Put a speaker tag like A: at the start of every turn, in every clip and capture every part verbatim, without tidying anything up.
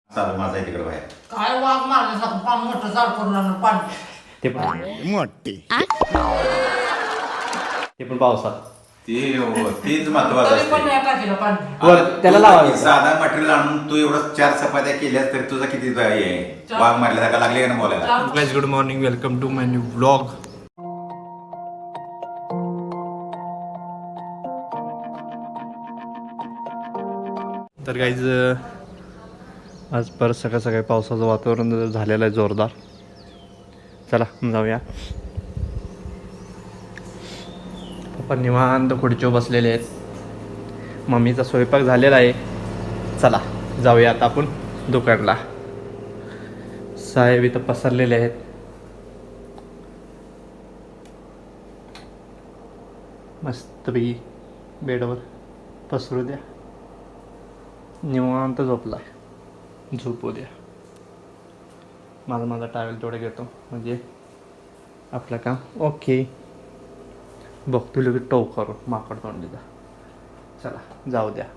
A: चालू माझा तिकडे बाहेर
B: काय वाघ मारण्यासारखं पान मोठं झाड करून आणलं पाणी
C: ते पण
D: मोठी
C: ते पण पावसात
A: ते तेच महत्वाचं
B: तरी पण
A: असते.
B: नाही टाकीला पाणी
C: वर त्याला लावायचं.
A: साधा मटेरियल आणून तू एवढं चार चपात्या केल्यास तरी तुझा किती हे आहे वाघ मारल्यासारखा लागले का ना बोलायला.
B: चार-
D: guys good morning welcome to my new vlog. तर गाईज आज परत सकाळ सकाळी पावसाचं वातावरण झालेलं आहे जोरदार. चला जाऊया. पप्पा निवांत खुर्चीवर बसलेले आहेत. मम्मीचा स्वयंपाक झालेला आहे. चला जाऊया आता आपण दुकानला. साहेब इथं पसरलेले आहेत. मस्तपैकी बेडवर पसरू द्या. निवांत झोपला झोपू द्या. माझा माझा टावेल तेवढे घेतो म्हणजे आपलं काम ओके. बघतो लगेच टोक करू माकड तोंडीचा. चला जाऊ द्या.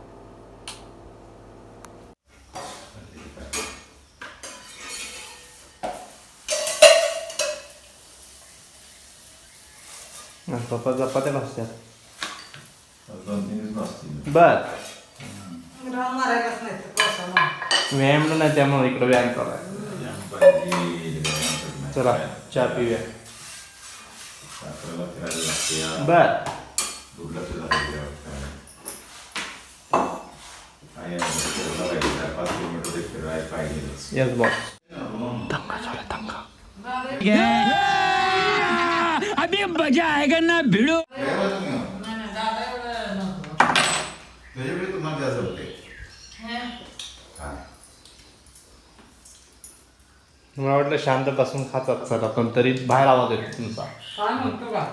D: पप्पा चपात्या भाजत्यात.
A: दोन तीन दिवस बसतील.
C: बर
B: रान मारायलाच नाही तर पावसानं.
C: व्यायाम नाही त्यामुळे इकडं व्यायाम करा. चला चहा पिऊया. बर यस बॉस. दंगा झाला दंगा.
E: अभी मजा आएगा ना भिड़ो.
B: नाही, नाही, दादा एवढं नव्हतं.
A: त्याच्याकडे तुम्हाला जास्त होते.
B: हे?
C: मला वाटलं शांत बसून खातात चला पण तरी बाहेर आवाज येतो तुमचा.
B: काय म्हणतो का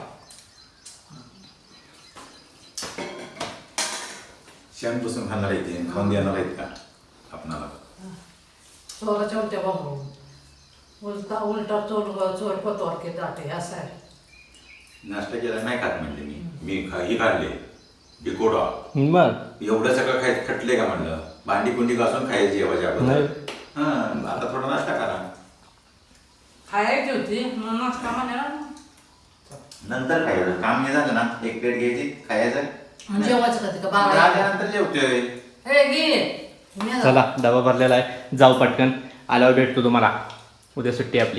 A: शांत बसून खाणार येते खाऊन देणार आहेत का आपणाला.
B: चोराच्या उलट्या बाबू उलटा उलटा चोर चोर पतवार के दाटे असं आहे.
A: नाश्ता केला नाही खात म्हणले मी मी खा ही काढले डिकोडा
C: बर
A: एवढं सगळं खाय खटले का म्हणलं. भांडी कुंडी घासून खायची जेवायच्या अगोदर. हा आता थोडा नाश्ता करा.
B: खायची होती म्हणून नाश्ता म्हणे ना.
A: नंतर खायचं काम हे झालं ना एक प्लेट घ्यायची खायचं.
B: जेवायचं का ते का बारा
A: आल्यानंतर जेवतोय.
B: हे घे मी जा.
C: चला डबा भरलेला आहे. जाऊ पटकन आल्यावर भेटतो तुम्हाला. उद्या सुट्टी आपली.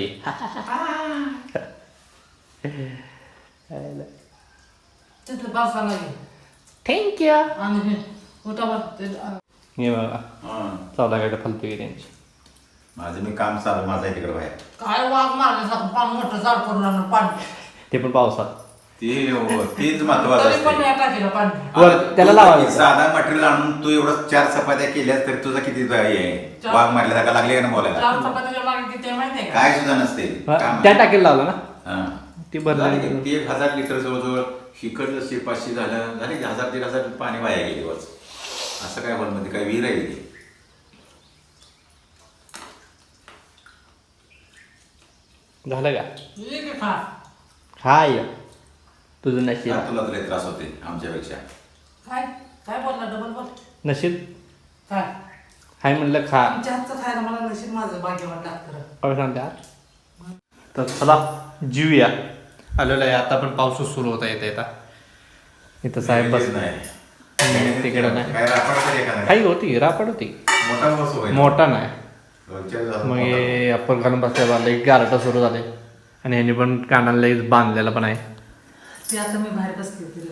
B: तिथलं पावसाला घे
C: थँक्यू.
B: आणि हे उठा बरं ते
C: हे बघा
A: हा.
C: चौदा फलते त्यांची.
A: माझं मी काम चालू माझा तिकडे बाहेर.
B: काय वाघ मारण्यासारखं पान मोठं झाड करून आणलं पाणी
C: ते पण पावसात.
A: ते तेच महत्वाचं
B: तरी पण
A: असते.
B: नाही टाकीला पाणी.
C: वर त्याला लावायचं.
A: साधा मटेरियल आणून तू एवढं चार चपात्या केल्यास तरी तुझा किती हे आहे
B: चार-
A: वाघ मारल्यासारखा लागले का ना बोलायला.
B: चार चपातीच्या मागे किती आहे माहिती आहे का?
A: काय सुद्धा नसते.
C: हा, त्या टाकीला लावलं ना
A: हा.
C: ती भरली.
A: झालं की ते एक हजार लिटर जवळजवळ शिकडलं शे पाचशे झालं झाले की हजार दीड हजार पाणी वाया गेले बस. असं काय हॉलमध्ये काय विहीर आहे ते.
C: झालं का
B: ये की खा.
C: हाय तुझं नशीब.
A: का तुला तरी त्रास होते आमच्यापेक्षा.
B: काय काय बोलला डबल बोल
C: नशीब
B: काय
C: हाय म्हणलं खा.
B: आमच्या हातचं खायला मला नशीब माझं भाग्यवान लागतं.
C: काय सांगते. तर चला जीवया आलेलं आहे. आता पण पाऊसच सुरू होता येता येता. इथं साहेब बस
A: नाही
C: तिकडे नाही.
A: काय रापड तरी एखादा
C: काही होती रापड होती.
A: मोठा बस होय.
C: मोठा नाही.
A: रोजच्या दिवसात
C: मग
A: मोठा
C: हे आपण घालून बसल्या एक गारटा सुरू झाले आणि ह्याने पण कानाला लगेच बांधलेला पण आहे.
B: ते आता मी बाहेर बसली तिला.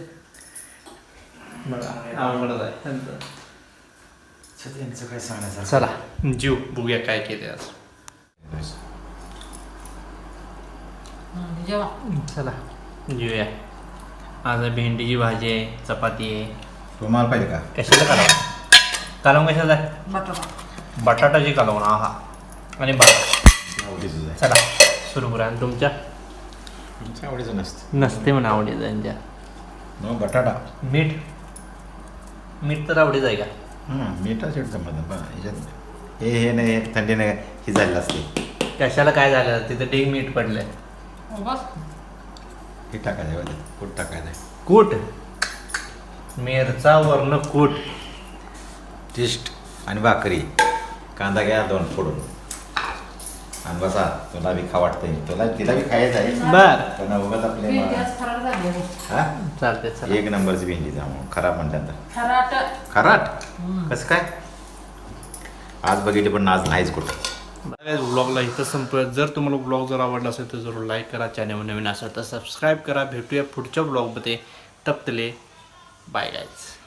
C: बघा आवडत आहे.
A: बस. यांचं काय सांगायचं.
C: चला जीव बघूया काय केले आज.
B: हं, जेवा
C: चला जीवया. आज भेंडीची भाजी आहे चपाती आहे.
A: तुम्हाला पाहिजे का
C: कशाला कालवण कालवण कशाचा आहे.
B: बटाटा
C: बटाटाची कालवण आहा आणि बटाटा.
A: आवडीचं आहे.
C: चला सुरू करा. आणि तुमच्या
A: तुमच्या आवडीचं नसतं.
C: नसते म्हणा आवडीचं त्यांच्या.
A: मग बटाटा
C: मीठ मीठ तर आवडीच आहे का.
A: हं, मिठा शेट जमत पण ह्याच्यात हे हे नाही हे थंडी नाही ही झालेलं असते.
C: कशाला काय झालं तिथं ढीग मीठ पडलंय.
B: हो, बस
A: हे टाकायचं आहे कुठ टाकायचं आहे.
C: कूट मिरचा वर्ण कूट
A: टेस्ट आणि भाकरी कांदा घ्या दोन फोडून आणि बसा तुला बी खा वाटतंय तुला तिला बी खायचं आहे
C: बर
A: पण उगाच आपले
B: भेंडी आज खराब झाली आहे.
A: हा
C: चालते चला
A: एक नंबरची भेंडी जामून खराब म्हणतात
B: खराट
A: खराट कसं काय आज बघितले पण आज नाहीच कुठं.
C: ब्लॉगला इथं संपत. जर तुम्हाला ब्लॉग जर आवडला असेल तर जरूर लाईक करा. चॅनल नवीन असेल तर सबस्क्राईब करा. भेटूया पुढच्या ब्लॉगमध्ये. तपतले बाय गाईज.